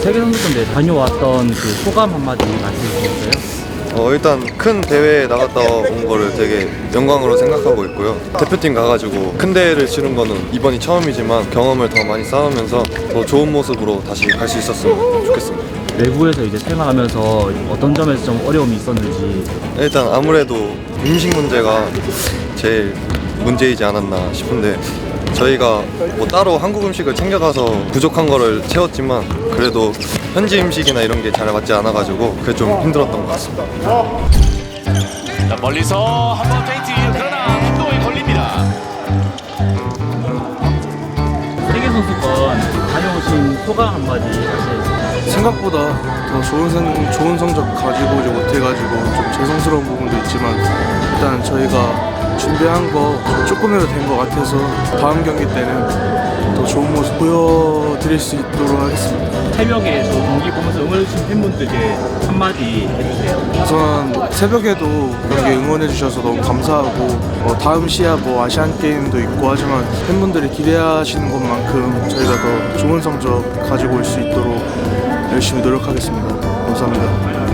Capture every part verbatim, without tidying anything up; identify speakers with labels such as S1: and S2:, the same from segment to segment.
S1: 세계선수권대회 다녀왔던 그 소감 한마디 말씀해 주시겠어요?
S2: 어, 일단 큰 대회에 나갔다 온 거를 되게 영광으로 생각하고 있고요. 대표팀 가가지고 큰 대회를 치른 거는 이번이 처음이지만 경험을 더 많이 쌓으면서 더 좋은 모습으로 다시 갈 수 있었으면 좋겠습니다.
S1: 외부에서 이제 생활하면서 어떤 점에서 좀 어려움이 있었는지.
S2: 일단 아무래도 음식 문제가 제일 문제이지 않았나 싶은데 저희가 뭐 따로 한국 음식을 챙겨가서 부족한 거를 채웠지만 그래도 현지 음식이나 이런 게 잘 맞지 않아가지고 그게 좀 힘들었던 것 같습니다.
S3: 자, 멀리서 한번 페인트 그러나 핀도에 걸립니다.
S1: 세계선수권 다녀오신 소감 한마디 하시겠어요?
S4: 생각보다 더 좋은, 생, 좋은 성적 가지고 오지 못해가지고 좀 죄송스러운 부분도 있지만 일단 저희가 준비한 거 조금이라도 된 것 같아서 다음 경기 때는 더 좋은 모습 보여드릴 수 있도록 하겠습니다.
S1: 새벽에 저 경기 보면서 응원해주신 팬분들께 한마디 해주세요.
S4: 우선 새벽에도 경기 응원해주셔서 너무 감사하고 어, 다음 시합 뭐 아시안게임도 있고 하지만 팬분들이 기대하시는 것만큼 저희가 더 좋은 성적 가지고 올 수 있도록 열심히 노력하겠습니다. 감사합니다.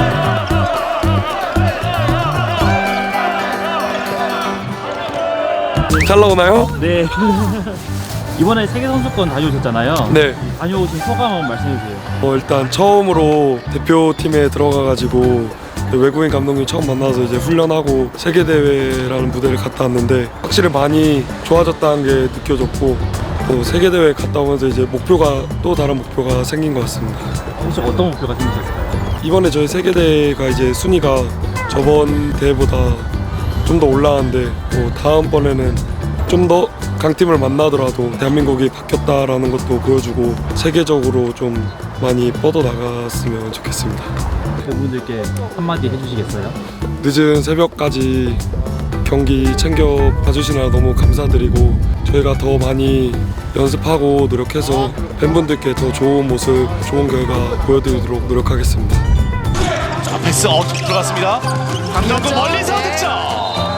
S5: 잘 나오나요?
S1: 네. 이번에 세계선수권 다녀오셨잖아요.
S5: 네.
S1: 다녀오신 소감 한번 말씀해주세요.
S5: 어, 일단 처음으로 대표팀에 들어가가지고 외국인 감독님 처음 만나서 이제 훈련하고 세계대회라는 무대를 갔다 왔는데 확실히 많이 좋아졌다는 게 느껴졌고 또 세계대회 갔다 오면서 이제 목표가 또 다른 목표가 생긴 것 같습니다.
S1: 혹시 어떤 목표가 생기셨을까요?
S5: 이번에 저희 세계대회가 이제 순위가 저번 대회보다 좀 더 올라왔는데 뭐 다음번에는 좀 더 강팀을 만나더라도 대한민국이 바뀌었다라는 것도 보여주고 세계적으로 좀 많이 뻗어나갔으면 좋겠습니다.
S1: 팬분들께 한마디 해주시겠어요?
S5: 늦은 새벽까지 경기 챙겨 봐주시느라 너무 감사드리고 저희가 더 많이 연습하고 노력해서 팬분들께 더 좋은 모습, 좋은 결과 보여드리도록 노력하겠습니다.
S3: 자, 패스 어 들어갔습니다. 강정구 멀리서 득점.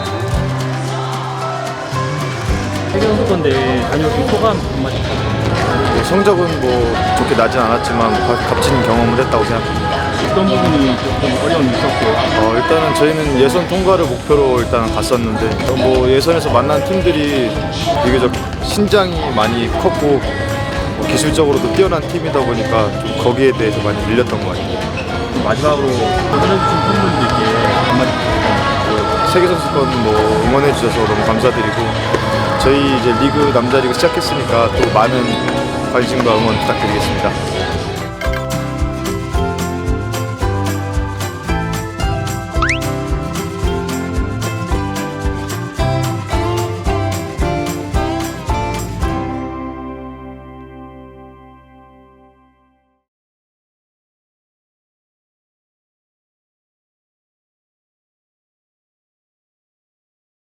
S1: 세계선수권대회 다녀오신 소감 한마디 부탁드립니다.
S6: 뭐 성적은 뭐 좋게 나진 않았지만 값- 값진 경험을 했다고 생각합니다.
S1: 어떤 부분이 조금 어려움이 있었고.
S6: 어, 일단은 저희는 예선 통과를 목표로 일단 갔었는데 어, 뭐 예선에서 만난 팀들이 비교적 신장이 많이 컸고 뭐 기술적으로도 뛰어난 팀이다 보니까 좀 거기에 대해서 많이 밀렸던 것 같아요.
S1: 마지막으로 응원해주신 팬분들께 한마디 부탁드립니다.
S6: 세계선수권 뭐 응원해 주셔서 너무 감사드리고 저희 이제 리그 남자 리그 시작했으니까 또 많은 관심과 응원 부탁드리겠습니다.